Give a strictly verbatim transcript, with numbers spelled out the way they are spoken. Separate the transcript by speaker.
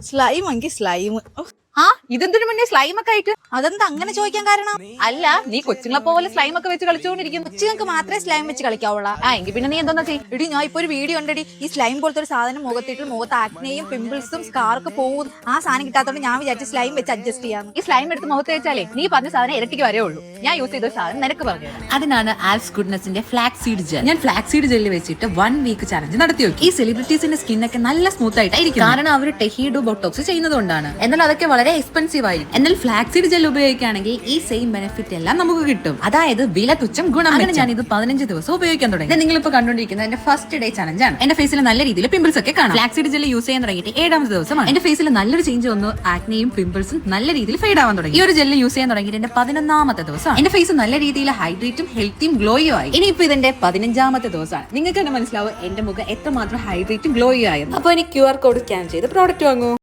Speaker 1: Slime എങ്കിൽ slime.
Speaker 2: ആ ഇതെന്തിനു മുന്നേ സ്ലൈം ഒക്കെ ആയിട്ട്?
Speaker 1: അതെന്താ അങ്ങനെ ചോദിക്കാൻ കാരണം?
Speaker 2: അല്ല, നീ കൊച്ചുങ്ങളെ പോലെ സ്ലൈം ഒക്കെ വെച്ച് കളിച്ചുകൊണ്ടിരിക്കുന്നു.
Speaker 1: കൊച്ചുങ്ങൾക്ക് മാത്രമേ സ്ലൈം വെച്ച് കളിക്കാവുള്ള.
Speaker 2: ആ എങ്കിൽ പിന്നെ നീ എന്തോന്നാ ചെയ്യും?
Speaker 1: എടി ഞാൻ ഇപ്പൊ ഒരു വീഡിയോ ഉണ്ടടി, ഈ സ്ലൈം പോലത്തെ ഒരു സാധനം മുഖത്തിട്ട് മുഖത്ത് ആക്നെയും പിമ്പിൾസും സ്കാർക്ക് പോകും. ആ സാധനം കിട്ടാത്തോണ്ട് ഞാൻ വിചാരിച്ചു സ്ലൈം വെച്ച് അഡ്ജസ്റ്റ് ചെയ്യാം.
Speaker 2: ഈ സ്ലൈം എടുത്ത് മുഖത്ത് വെച്ചാലേ നീ പറഞ്ഞ സാധനം ഇരട്ടിക്ക് വരേ ഉള്ളൂ. ഞാൻ യൂസ് ചെയ്ത സാധനം നിനക്ക് പറഞ്ഞു.
Speaker 3: അതിനാണ് ആൽസ് ഗുഡ്നസിന്റെ ഫ്ലാക്സ് സീഡ് ജെൽ. ഞാൻ ഫ്ലാക്സ് സീഡ് ജെല്ലിൽ വെച്ചിട്ട് വൺ വീക്ക് ചലഞ്ച് നടത്തി നോക്കി. ഈ സെലിബ്രിറ്റീസിന്റെ സ്കിന്നൊക്കെ നല്ല സ്മൂത്ത് ആയിട്ടായിരിക്കും, കാരണം അവർ ടെഹീഡോ ബൊട്ടോക്സ് ചെയ്യുന്നതുകൊണ്ടാണ്. എന്നാൽ അതൊക്കെ വളരെ എക്സ്പെൻസീവ് ആയിരിക്കും. എന്നാൽ ഫ്ലാക്സ് സീഡ് ജെൽ ഉപയോഗിക്കുകയാണെങ്കിൽ ഈ സെയിം ബെനിഫിറ്റ് എല്ലാം നമുക്ക് കിട്ടും. അതായത് വില തുച്ഛം ഗുണം. അങ്ങനെ ഞാൻ ഇത് പതിനഞ്ച് ദിവസം ഉപയോഗിക്കാൻ തുടങ്ങി. നിങ്ങൾ ഇപ്പോൾ കണ്ടുകൊണ്ടിരിക്കുന്നത് എന്റെ ഫസ്റ്റ് ഡേ ചലഞ്ച് ആണ്. എന്റെ ഫേസിൽ നല്ല രീതിയിൽ പിമ്പിൾസ് ഒക്കെ കാണാം. ഫ്ലാക്സ് സീഡ് ജെൽ യൂസ് ചെയ്യാൻ തുടങ്ങിയിട്ട് ഏഴാമത്തെ ദിവസമാണ്. എന്റെ ഫേസിൽ നല്ലൊരു ചേഞ്ച് വന്നു. ആക്നെയും പിമ്പിൾസും നല്ല രീതിയിൽ ഫെയ്ഡ് ആവാൻ തുടങ്ങി. ഈ ഒരു ജെല്ല് യൂസ് ചെയ്യാൻ തുടങ്ങിയിട്ട് എന്റെ പതിനൊന്നാമത്തെ ദിവസമാണ്. എന്റെ ഫേസ് നല്ല രീതിയിൽ ഹൈഡ്രേറ്റും ഹെൽത്തിയും ഗ്ലോയും ആയി. ഇനിയിപ്പോ ഇതിന്റെ പതിനഞ്ചാമത്തെ ദിവസമാണ്. നിങ്ങൾക്ക് തന്നെ മനസ്സിലാവും എന്റെ മുഖം എത്രമാത്രം ഹൈഡ്രേറ്റും ഗ്ലോയും ആയിരുന്നു. അപ്പൊ എനിക്ക് ക്യു ആർ കോഡ് സ്കാൻ ചെയ്ത് പ്രോഡക്റ്റ് വാങ്ങൂ.